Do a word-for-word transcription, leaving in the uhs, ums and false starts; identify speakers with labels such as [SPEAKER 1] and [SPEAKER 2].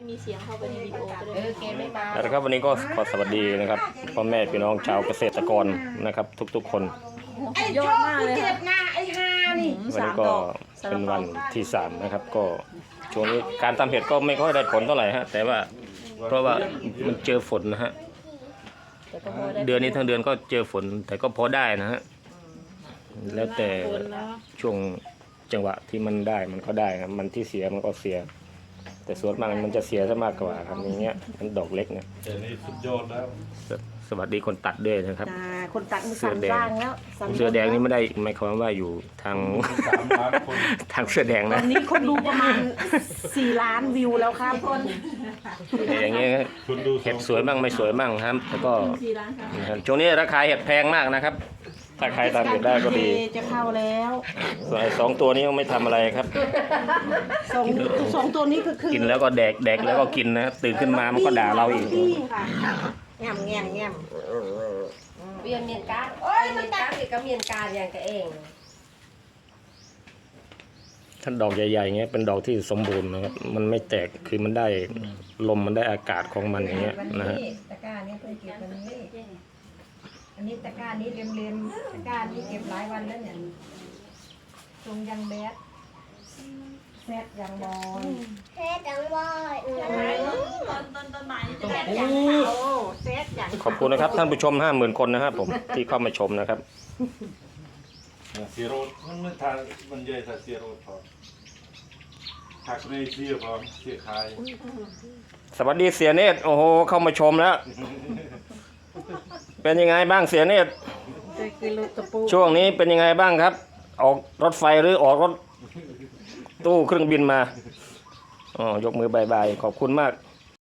[SPEAKER 1] มีเสียงเข้าไปในวิดีโอก็ได้
[SPEAKER 2] เออเกมไม่มา
[SPEAKER 3] แล้วครับวันนี้ก็ขอสวัสดีนะครับพ่อแม่พี่น้องชาวเกษตรกรนะครับทุกๆคน
[SPEAKER 2] ไอ้
[SPEAKER 1] ย
[SPEAKER 2] โช
[SPEAKER 1] อด
[SPEAKER 2] ค
[SPEAKER 1] มากเลย
[SPEAKER 2] เจ็
[SPEAKER 1] ค่ะ
[SPEAKER 2] บหน้าไอ้ฮานี่
[SPEAKER 3] วันนี้ก็เป็นวันที่สามนะครับก็ช่วงนี้การทำเห็ดก็ไม่ค่อยได้ผลเท่าไหร่ฮะแต่ว่าเพราะว่ามันเจอฝนนะฮะ
[SPEAKER 1] แต่ก็พอได้
[SPEAKER 3] เดือนนี้ทั้งเดือนก็เจอฝนแต่ก็พอได้นะฮะแล้วแต่ช่วงจังหวะที่มันได้มันก็ได้ครับมันที่เสียมันก็เสีย แต่ส่วนมากมันจะเสียซะมากกว่าครับอย่างเงี้ยมันดอกเล็กนะ
[SPEAKER 4] แต่นี่สุดยอดแล้ว
[SPEAKER 3] สสวัสดีคนตัดด้วยนะครับ
[SPEAKER 2] อ่าคนตัดมือสั่นร่างแล้วสั่น
[SPEAKER 3] เสื้อแดงนี่ไม่ได้หมายความว่าอยู่ทาง
[SPEAKER 4] สามล้านคน
[SPEAKER 3] ทางเสื้อแดง
[SPEAKER 2] ตอ
[SPEAKER 3] นะ
[SPEAKER 2] นนี้คนดูประมาณสี่ล้านวิวแล้วครับคน
[SPEAKER 3] แต่อย่างเงี้ย
[SPEAKER 4] คุณดู
[SPEAKER 3] เห็ดสวยมั่งไม่สวยมั่งครับแล้วก็
[SPEAKER 1] สี่ล้านค่ะ
[SPEAKER 3] นะครับช่วงนี้ราคาเห็ดแพงมากนะครับ ถ้าใครทำเห็ดได้ก็ดี
[SPEAKER 2] จะเข้าแล้ว
[SPEAKER 3] ส่วนไอ้สองตัวนี้ยังไม่ทำอะไรครับ
[SPEAKER 2] สองสองตัวนี้ก็คือ
[SPEAKER 3] กินแล้วก็แดกแดกแล้วก็กินนะตื่นขึ้นมามันก็ด่าเราอีก
[SPEAKER 2] พี่ค่ะแง่มแง่มแง่ม
[SPEAKER 5] เมียนเมียนการโอ้ยมันการอีกก็เมียนการอย่างกันเอง
[SPEAKER 3] ถ้าดอกใหญ่ๆเงี้ยเป็นดอกที่สมบูรณ์นะครับมันไม่แตกคือมันได้ลมมันได้อากาศของมันอย่างเงี้ย
[SPEAKER 5] วัน
[SPEAKER 3] นะฮะ
[SPEAKER 5] นี้ตะกร้านี้เพิ่งเก็บวันนี้อันนี้ตะกร้านี้เลียมๆตะกร้านี้เก็บหลายวันแล้วเนี่ยตรงยังแบดแซดยังบอล
[SPEAKER 1] ตอนตอนตอนบ่ายนี่จะแดด
[SPEAKER 2] โอ้เซตอย่าง
[SPEAKER 3] ขอบคุณนะครับท่านผู้ชมห้าหมื่นคนนะครับผมที่เข้ามาชมนะครับ
[SPEAKER 4] เสียโรดมันไม่ทานมันใหญ่แต่เสียโรดพอหักในเสียพอเสียคาย
[SPEAKER 3] สวัสดีเสียเนตรโอ้โหเข้ามาชมแล้ว เป็นยังไงบ้างเสียเนตร
[SPEAKER 2] จะกินลูกตะปู
[SPEAKER 3] ช่วงนี้เป็นยังไงบ้างครับ ออกรถไฟหรือออกรถตู้เครื่องบินมาอ๋อยกมือบายบายขอบคุณมาก